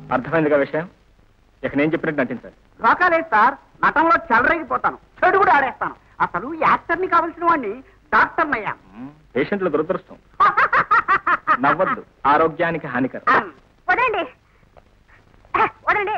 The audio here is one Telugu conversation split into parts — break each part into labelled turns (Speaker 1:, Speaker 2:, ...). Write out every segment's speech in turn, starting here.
Speaker 1: అర్థమైందిగా విషయం. ఇక నేను చెప్పినట్టు నటించాలి.
Speaker 2: రోకాలేదు సార్, నటంలో చెలరేగిపోతాను, చెడు కూడా ఆడేస్తాను. అసలు యాక్టర్ని కావలసిన వాడిని డాక్టర్ని అయ్యా.
Speaker 1: పేషెంట్లు దురదృష్టం. నవ్వద్దు, ఆరోగ్యానికి హానికరం.
Speaker 3: వదలండి వదలండి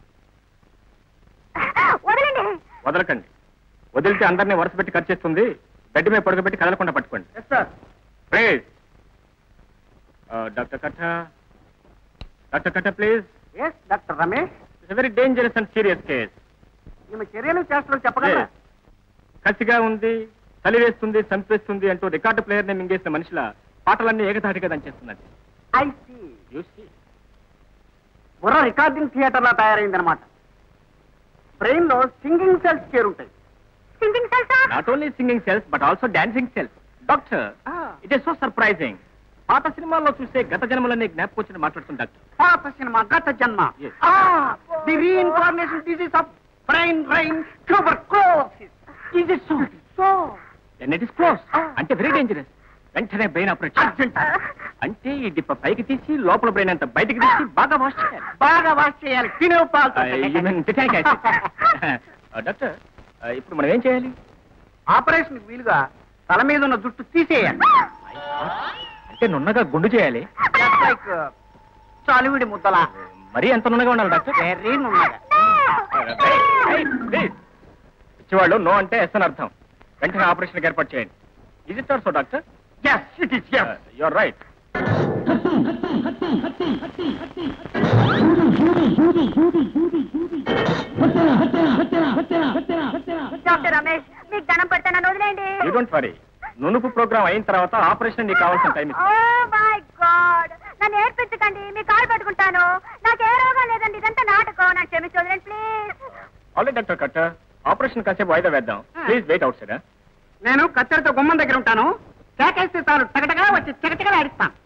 Speaker 3: వదలండి.
Speaker 1: వదలకండి. వదిలితే అందరినీ వరుస పెట్టి ఖర్చు చేస్తుంది. బెడ్ మీద పడుకోబెట్టి కదలకుండా పట్టుకోండి. Please doctor Katta, doctor Katta please.
Speaker 2: Yes doctor Ramesh.
Speaker 1: It's very dangerous and serious case.
Speaker 2: ఈమె చర్యలు చేష్టలు చెప్పగలరా?
Speaker 1: కసిగా ఉంది, చలి వేస్తుంది, చంపేస్తుంది అంటూ రికార్డు ప్లేయర్ ని మింగేసిన మనుషుల పాటలన్నీ ఏకధాటిగా దంచేస్తున్నది.
Speaker 2: I see. బుర్ర రికార్డింగ్ థియేటర్ లా తయారైందనమాట. బ్రెయిన్ లో సింగింగ్ సెల్స్ చేరుంటాయి.
Speaker 3: Singing cells?
Speaker 1: Not only singing cells but also dancing cells. Doctor, it is so surprising. పాత సినిమాల్లో చూసే గత జన్మలన్నీ జ్ఞాపకం వచ్చి మాట్లాడుతుంది డాక్టర్.
Speaker 2: పాత సినిమా గత జన్మ. The reincarnation disease of brain tuberculosis. Is it so? So
Speaker 1: then it is close. అంటే వెరీ డేంజరస్. వెంటనే బ్రెయిన్ ఆపరేషన్. అంటే ఈ డిప్ప పైకి తీసి లోపల బ్రెయిన్ అంతా బయటకు తీసి బాగా వాష్ చేయాలి.
Speaker 2: బాగా వాష్ చేయాలి.
Speaker 1: డాక్టర్, ఇప్పుడు మనం ఏం చేయాలి?
Speaker 2: ఆపరేషన్ వీలుగా తల మీద ఉన్న జుట్టు తీసేయాలి.
Speaker 1: అంటే నున్నగా గుండు చేయాలి.
Speaker 2: లైక్ చాలివిడి ముద్దలా.
Speaker 1: మరీ ఎంత నున్నగా ఉండాలి డాక్టర్?
Speaker 2: వెరీ నున్నగా.
Speaker 1: పిచ్చివాళ్ళు నో అంటే ఎస్ అని అర్థం. వెంటనే ఆపరేషన్ ఏర్పాటు చేయండి. Is it also doctor?
Speaker 2: Yes, it is. Yes,
Speaker 1: you are right.
Speaker 3: Doctor Ramesh, మీకు దండం పెడతాను, వదిలేండి.
Speaker 1: You don't worry. నునుపు ప్రోగ్రామ్ అయిన తర్వాత ఆపరేషన్ నీకు కావాల్సిన టైం ఇస్తాను.
Speaker 3: Oh my God! నన్ను ఏడ్పించకండి, మీ కాలు పట్టుకుంటాను. నాకు ఏ రోగం లేదండి, ఇదంతా నాటకం. నాకు క్షమించి వదిలేండి ప్లీజ్.
Speaker 1: ఆల్రెడీ డాక్టర్ కట్ట, ఆపరేషన్ కాసేపు వాయిదా వేద్దాం. Please wait outside.
Speaker 2: నేను కత్తెరతో గుమ్మం దగ్గర ఉంటాను. కేకేస్తే చాలు, టగటగా వచ్చి చకటగా ఆడిస్తాను.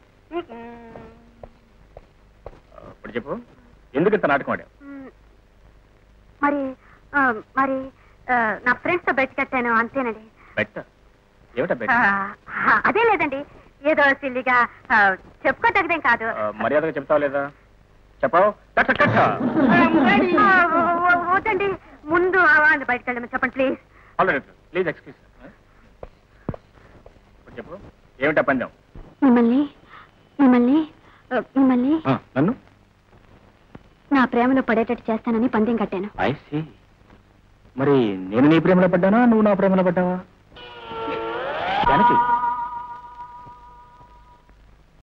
Speaker 1: ఇప్పుడు చెప్పు, ఎందుకు ఇంత నాటకం ఆడావు?
Speaker 3: మరి మరి నా ఫ్రెండ్స్ తో బెట్ కట్టాను, అంతేనండి.
Speaker 1: బెట్? ఏమిటా బెట్?
Speaker 3: అదే లేదండి, ఏదో సిల్లిగా చెప్పుకోదగ్గదేం కాదు.
Speaker 1: మర్యాదగా చెప్తావా లేదా? చెప్పావు డాక్టర్ కట్ట.
Speaker 3: వద్దండి, ముందు బయటకు వెళ్ళమని చెప్పండి ప్లీజ్.
Speaker 1: Already please excuse. చెప్పు, ఏమిటా పందెం?
Speaker 3: మిమ్మల్ని మిమ్మల్ని మిమ్మల్ని
Speaker 1: నన్ను
Speaker 3: నా ప్రేమలో పడేటట్టు చేస్తానని పందెం కట్టాను.
Speaker 1: I see. మరి నేను నీ ప్రేమలో పడ్డానా, నువ్వు నా ప్రేమలో పడ్డావా? జానకి,